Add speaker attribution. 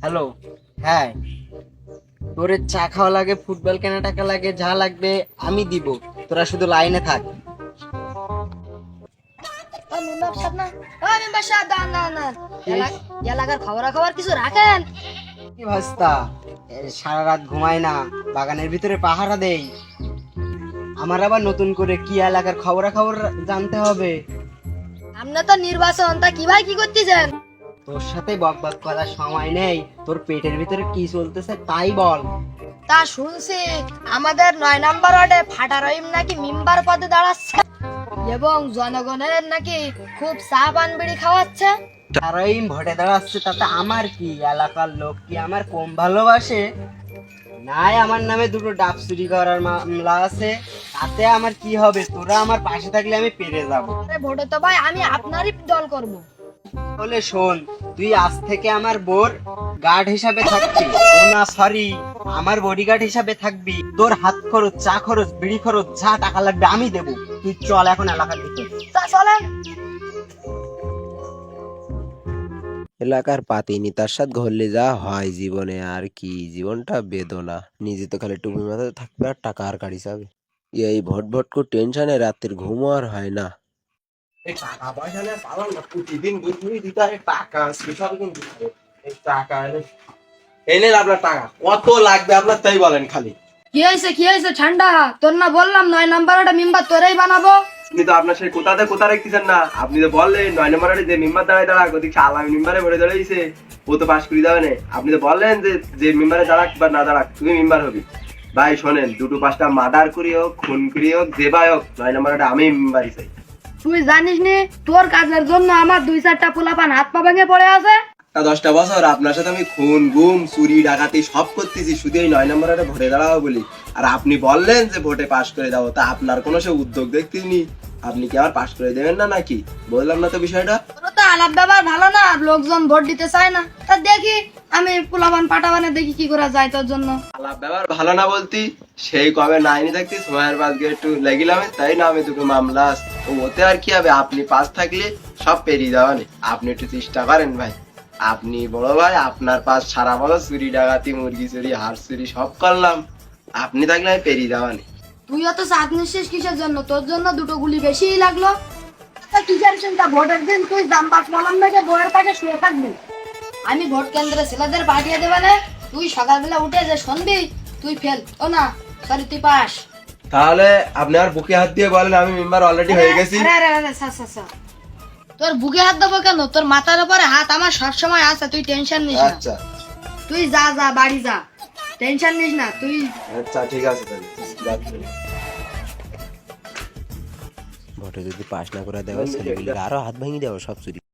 Speaker 1: Hello. হ্যাঁ, তোর চা খাওয়া লাগে, ফুটবল কেনা টাকা লাগে, যা লাগবে আমি দিব, তোরা শুধু লাইনে থাক।
Speaker 2: মেম্বার সাহেব না, মেম্বার সাহেব দাঁড়ান দাঁড়ান দাঁড়ান।
Speaker 1: কি?
Speaker 2: এলাকার খবর কিছু রাখেন?
Speaker 1: কি ভাস্তা, সারা রাত ঘুমাই না, বাগানের ভিতরে পাহারা দেই। আমার আবার নতুন করে কি এলাকার খবর জানতে হবে?
Speaker 2: আপনি তো নির্বাচন, তা কি ভাই কি করতেছেন?
Speaker 1: তোর সাথে বকবক করার সময় নেই, তোর পেটের ভিতরে কি চলতেছে তাই বল।
Speaker 2: তা শুনছি আমাদের 9 নম্বর ওয়ার্ডে ফাটা রহিম নাকি মেম্বার পদে দাঁড়াচ্ছে এবং জনগণের নাকি খুব চা পান বিড়ি খাওয়াচ্ছে।
Speaker 1: তারাই ভোটে দাঁড়াচ্ছে, তাতে আমার কি? এলাকার লোক কি আমার কম ভালোবাসে? নাই, আমার নামে দুটো ডাব চুরি করার মামলা আছে, তাতে আমার কি হবে? তোরা আমার পাশে থাকলে আমি পেরে যাব।
Speaker 2: আরে ভোটে তো ভাই আমি আপনারই দল করব।
Speaker 1: তাহলে শোন, তুই আজ থেকে আমার বোর গার্ড হিসাবে থাকবি। ও না, সরি, আমার বডিগার্ড হিসাবে থাকবি। তোর হাত খরচ, চা খরচ, বিড়ি খরচ, যা টাকা লাগবে আমি দেবো। তুই চল এখন এলাকার ভিতর।
Speaker 2: তা চলেন।
Speaker 3: এলাকার পাতিনি তার সাথে ঘুরলে যা হয় জীবনে, আর কি জীবনটা বেদনা। নিজে তো খালি টুপি মাথায় থাকবে আর টাকা আর গাড়ি যাবে। এই ভট ভট করে টেনশনে রাতের ঘুমও আর হয় না।
Speaker 4: এই টাকা পয়সা নিয়ে পালাম না, প্রতিদিন বুঝবি দিতে হয় টাকা, সেসব কিন্তু এই টাকা এনে আপনার টাকা কত লাগবে আপনার তাই বলেন খালি।
Speaker 2: কি হয়েছে ঠান্ডা? তোর না বললাম 9 নম্বর ওয়ার্ডে মেম্বার তোরাই বানাবো।
Speaker 4: আপনি তো আপনার সেই কোথাতে কোথা রাখতেছেন না, আপনি তো বললেন 9 নম্বরে যে মেম্বার দাঁড়াক ওদিকে আলামী মেম্বারে ভরে দাঁড়াইছে, ও তো পাশ করে যাবে না। আপনি তো বললেন যে যে মেম্বারে দাঁড়াক বা না দাঁড়াক তুমি মেম্বার হবি। ভাই শোনেন, দুটো পাঁচটা মার্ডার করি হোক, খুন করি হোক, যেভাবে হোক 9 নম্বরে আমি মেম্বারই চাই।
Speaker 2: তুই জানিস নি তোর কাজের জন্য আমার 2-4টা পোলাপান হাত পা ভেঙে পড়ে আছে।
Speaker 4: 10টা বছর আপনার সাথে আমি খুন গুম চুরি ডাকাতি সব করতেছি শুধু এই 9 নম্বরে ভোটে দাঁড়াবো বলি, আর আপনি বললেন যে ভোটে পাশ করে দাও। তা আপনার কোনো সে উদ্যোগ দেখতেনি, আপনি কি আবার পাশ করে দেবেন না নাকি? বললাম না তো বিষয়টা।
Speaker 2: তোর তো আলাপ ব্যবহার ভালো না, লোকজন ভোট দিতে চায় না। তা দেখি আমি পোলাপান পাটাবানে দেখি কি করা যায় তোর জন্য।
Speaker 4: আলাপ ব্যবহার ভালো না বলতি, সেই কবে নাইনি থাকতি সময়ের বাদকে একটু লেগিলাম, তাই না আমি দুটো মামলা আছে। ও ওতে আর কি হবে, আপনি পাশ থাকলে সব পেরিয়ে যাওয়ানি। আপনি একটু চেষ্টা করেন ভাই, আপনি বড় ভাই, আপনার পাশ সারা বছর চুরি ডাকাতি মুরগি চুরি হাঁস চুরি সব করলাম, আপনি থাকলে আমি পেরিয়ে যাওয়ানি।
Speaker 2: তুই অত চাঁদ নিশ্চিস কিসের জন্য? তোর জন্য দুটো গুলি বেশিই লাগলো। তা কিসের চিন্তা? ভোটের দিন তুই জামবাস মলাম থেকে বইয়ের পাশে শুয়ে থাকবি, আমি ভোট কেন্দ্রে ছেলেদের পাঠিয়ে দেবে না। তুই সকালবেলা উঠে যে শুনবি তুই ফেল, ও না সরি তুই পাস।
Speaker 4: তাহলে আপনি আর বুকে হাত দিয়ে বলেন আমি মেম্বার অলরেডি হয়ে গেছি।
Speaker 2: তোর বুকে হাত দেবো কেন? তোর মাথার উপরে হাত আমার সবসময় আছে, তুই টেনশন নিস না।
Speaker 4: আচ্ছা
Speaker 2: তুই যা যা বাড়ি যা, টেনশন নিস না তুই।
Speaker 4: আচ্ছা ঠিক আছে তাহলে যাচ্ছি।
Speaker 3: ভোটে যদি পাশ না করে দেওয়া ছেলেগুলির আরো হাত ভেঙে দেওয়া সব চুরি।